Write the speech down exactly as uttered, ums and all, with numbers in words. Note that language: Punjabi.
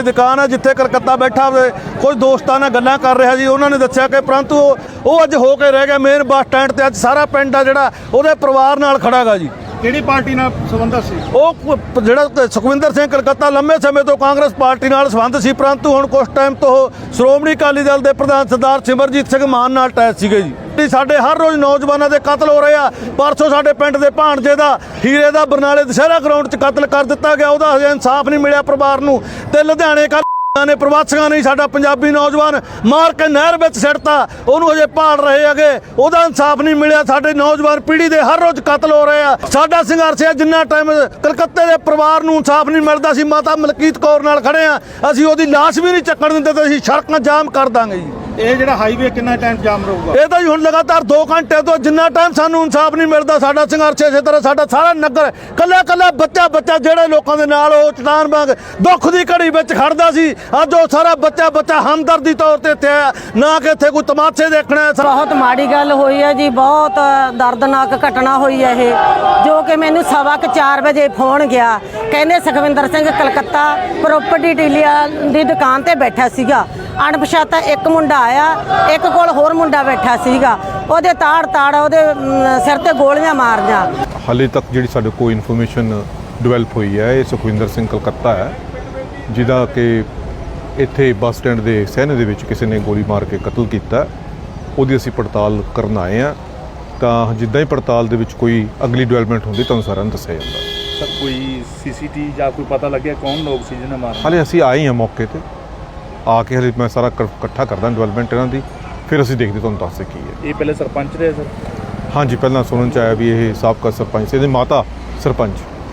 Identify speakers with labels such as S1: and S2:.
S1: दुकान है जिथे कलकत्ता बैठा कुछ दोस्तों ने गल्लां कर रहा जी। उन्होंने दस्सिया कि परंतु वो अज हो के रह गया मेन बस स्टैंड ते। अज सारा पिंड आ जिहड़ा उहदे परिवार नाल खड़ा गा जी।
S2: किहड़ी पार्टी नाल संबंध सी?
S1: ਉਹ ਜਿਹੜਾ ਸੁਖਵਿੰਦਰ ਸਿੰਘ ਕਲਕੱਤਾ ਲੰਮੇ ਸਮੇਂ ਤੋਂ ਕਾਂਗਰਸ ਪਾਰਟੀ ਨਾਲ ਸੰਬੰਧ ਸੀ, ਪਰੰਤੂ ਹੁਣ ਕੁਝ ਟਾਈਮ ਤੋਂ ਸ਼੍ਰੋਮਣੀ ਅਕਾਲੀ ਦਲ ਦੇ ਪ੍ਰਧਾਨ ਸਰਦਾਰ ਸਿਮਰਜੀਤ ਸਿੰਘ ਮਾਨ ਨਾਲ ਅਟੈਚ ਸੀਗੇ ਜੀ। ਸਾਡੇ ਹਰ ਰੋਜ਼ ਨੌਜਵਾਨਾਂ ਦੇ ਕਤਲ ਹੋ ਰਹੇ ਆ। ਪਰਸੋਂ ਸਾਡੇ ਪਿੰਡ ਦੇ ਭਾਣਜੇ ਦਾ ਹੀਰੇ ਦਾ ਬਰਨਾਲੇ ਦੁਸ਼ਹਿਰਾ ਗਰਾਊਂਡ 'ਚ ਕਤਲ ਕਰ ਦਿੱਤਾ ਗਿਆ। ਉਹਦਾ ਹਜੇ ਇਨਸਾਫ ਨਹੀਂ ਮਿਲਿਆ ਪਰਿਵਾਰ ਨੂੰ। ਤੇ ਲੁਧਿਆਣੇ ਕੱਲ੍ਹ ਨੇ ਪ੍ਰਵਾਸੀਆਂ ਨੇ ਸਾਡਾ ਪੰਜਾਬੀ ਨੌਜਵਾਨ ਮਾਰ ਕੇ ਨਹਿਰ ਵਿੱਚ ਸਿੱਟਤਾ, ਉਹਨੂੰ ਹਜੇ ਭਾਲ ਰਹੇ ਹੈਗੇ, ਉਹਦਾ ਇਨਸਾਫ ਨਹੀਂ ਮਿਲਿਆ। ਸਾਡੇ ਨੌਜਵਾਨ ਪੀੜ੍ਹੀ ਦੇ ਹਰ ਰੋਜ਼ ਕਤਲ ਹੋ ਰਹੇ ਆ। ਸਾਡਾ ਸੰਘਰਸ਼ ਹੈ ਜਿੰਨਾ ਟਾਈਮ ਕਲਕੱਤੇ ਦੇ ਪਰਿਵਾਰ ਨੂੰ ਇਨਸਾਫ ਨਹੀਂ ਮਿਲਦਾ। ਅਸੀਂ ਮਾਤਾ ਮਲਕੀਤ ਕੌਰ ਨਾਲ ਖੜੇ ਆ, ਅਸੀਂ ਉਹਦੀ ਲਾਸ਼ ਵੀ ਨਹੀਂ ਚੱਕਣ ਦਿੰਦੇ ਤੇ ਅਸੀਂ ਸੜਕਾਂ ਜਾਮ ਕਰ ਦਾਂਗੇ ਜੀ।
S2: ਇਹ ਜਿਹੜਾ ਹਾਈਵੇ ਕਿੰਨਾ ਟਾਈਮ ਜਾਮ ਰਹੂਗਾ?
S1: ਇਹ ਤਾਂ ਜੀ ਹੁਣ ਲਗਾਤਾਰ ਦੋ ਘੰਟੇ ਤੋਂ ਜਿੰਨਾ ਟਾਈਮ ਸਾਨੂੰ ਇਨਸਾਫ ਨਹੀਂ ਮਿਲਦਾ ਸਾਡਾ ਸੰਘਰਸ਼ ਇਸੇ ਤਰ੍ਹਾਂ। ਸਾਡਾ ਸਾਰਾ ਨਗਰ ਕੱਲਾ ਕੱਲਾ ਬੱਚਾ ਬੱਚਾ ਜਿਹੜੇ ਲੋਕਾਂ ਦੇ ਨਾਲ ਉਹ ਚਟਾਨ ਵਾਂਗ ਦੁੱਖ ਦੀ ਘੜੀ ਵਿੱਚ ਖੜਦਾ ਸੀ, ਅੱਜ ਉਹ ਸਾਰਾ ਬੱਚਾ ਬੱਚਾ ਹਮਦਰਦੀ ਤੌਰ ਤੇ ਇੱਥੇ ਆਇਆ, ਨਾ ਕਿ ਇੱਥੇ ਕੋਈ ਤਮਾਸ਼ੇ ਦੇਖਣਾ।
S3: ਬਹੁਤ ਮਾੜੀ ਗੱਲ ਹੋਈ ਹੈ ਜੀ, ਬਹੁਤ ਦਰਦਨਾਕ ਘਟਨਾ ਹੋਈ ਹੈ ਇਹ, ਜੋ ਕਿ ਮੈਨੂੰ ਸਵਾ ਕੁ ਚਾਰ ਵਜੇ ਫੋਨ ਗਿਆ। ਕਹਿੰਦੇ ਸੁਖਵਿੰਦਰ ਸਿੰਘ ਕਲਕੱਤਾ ਪ੍ਰੋਪਰਟੀ ਡੀਲਰ ਦੀ ਦੁਕਾਨ ਤੇ ਬੈਠਾ ਸੀਗਾ। ਅਣਪਛਾਤਾ ਇੱਕ ਮੁੰਡਾ ਆਇਆ, ਇੱਕ ਕੋਲ ਹੋਰ ਮੁੰਡਾ ਬੈਠਾ ਸੀਗਾ, ਉਹਦੇ ਤਾੜ ਤਾੜ ਉਹਦੇ ਸਿਰ ਤੇ ਗੋਲੀਆਂ ਮਾਰੀਆਂ।
S4: ਹਾਲੇ ਤੱਕ ਜਿਹੜੀ ਸਾਡੇ ਕੋਲ ਇਨਫੋਰਮੇਸ਼ਨ ਡਿਵੈਲਪ ਹੋਈ ਹੈ, ਇਹ ਸੁਖਵਿੰਦਰ ਸਿੰਘ ਕਲਕੱਤਾ ਹੈ, ਜਿਹਦਾ ਕਿ ਇੱਥੇ ਬੱਸ ਸਟੈਂਡ ਦੇ ਸਹਿਣੇ ਦੇ ਵਿੱਚ ਕਿਸੇ ਨੇ ਗੋਲੀ ਮਾਰ ਕੇ ਕਤਲ ਕੀਤਾ। ਉਹਦੀ ਅਸੀਂ ਪੜਤਾਲ ਕਰਨ ਆਏ ਹਾਂ, ਤਾਂ ਜਿੱਦਾਂ ਹੀ ਪੜਤਾਲ ਦੇ ਵਿੱਚ ਕੋਈ ਅਗਲੀ ਡਿਵੈਲਪਮੈਂਟ ਹੁੰਦੀ ਤੁਹਾਨੂੰ ਸਾਰਿਆਂ ਨੂੰ ਦੱਸਿਆ ਜਾਂਦਾ।
S2: ਸਰ ਕੋਈ ਸੀਸੀਟੀ ਜਾਂ ਕੋਈ ਪਤਾ ਲੱਗਿਆ ਕੌਣ ਲੋਕ ਸੀ ਜਿਹਨੇ ਮਾਰਿਆ?
S4: ਹਾਲੇ ਅਸੀਂ ਆਏ ਹਾਂ ਮੌਕੇ ਤੇ, ਆ ਕੇ ਹਲੇ ਮੈਂ ਸਾਰਾ ਇਕੱਠਾ ਕਰਦਾ ਡਿਵੈਲਪਮੈਂਟ ਇਹਨਾਂ ਦੀ, ਫਿਰ ਅਸੀਂ ਦੇਖਦੇ ਤੁਹਾਨੂੰ ਦੱਸਦੇ ਕੀ ਹੈ।
S2: ਇਹ ਪਹਿਲੇ ਸਰਪੰਚ ਰਹੇ ਸਰ?
S4: ਹਾਂਜੀ, ਪਹਿਲਾਂ ਸੁਣਨ 'ਚ ਆਇਆ ਵੀ ਇਹ ਸਾਬਕਾ ਸਰਪੰਚ ਸੀ, ਇਹਦੀ ਮਾਤਾ ਸਰਪੰਚ।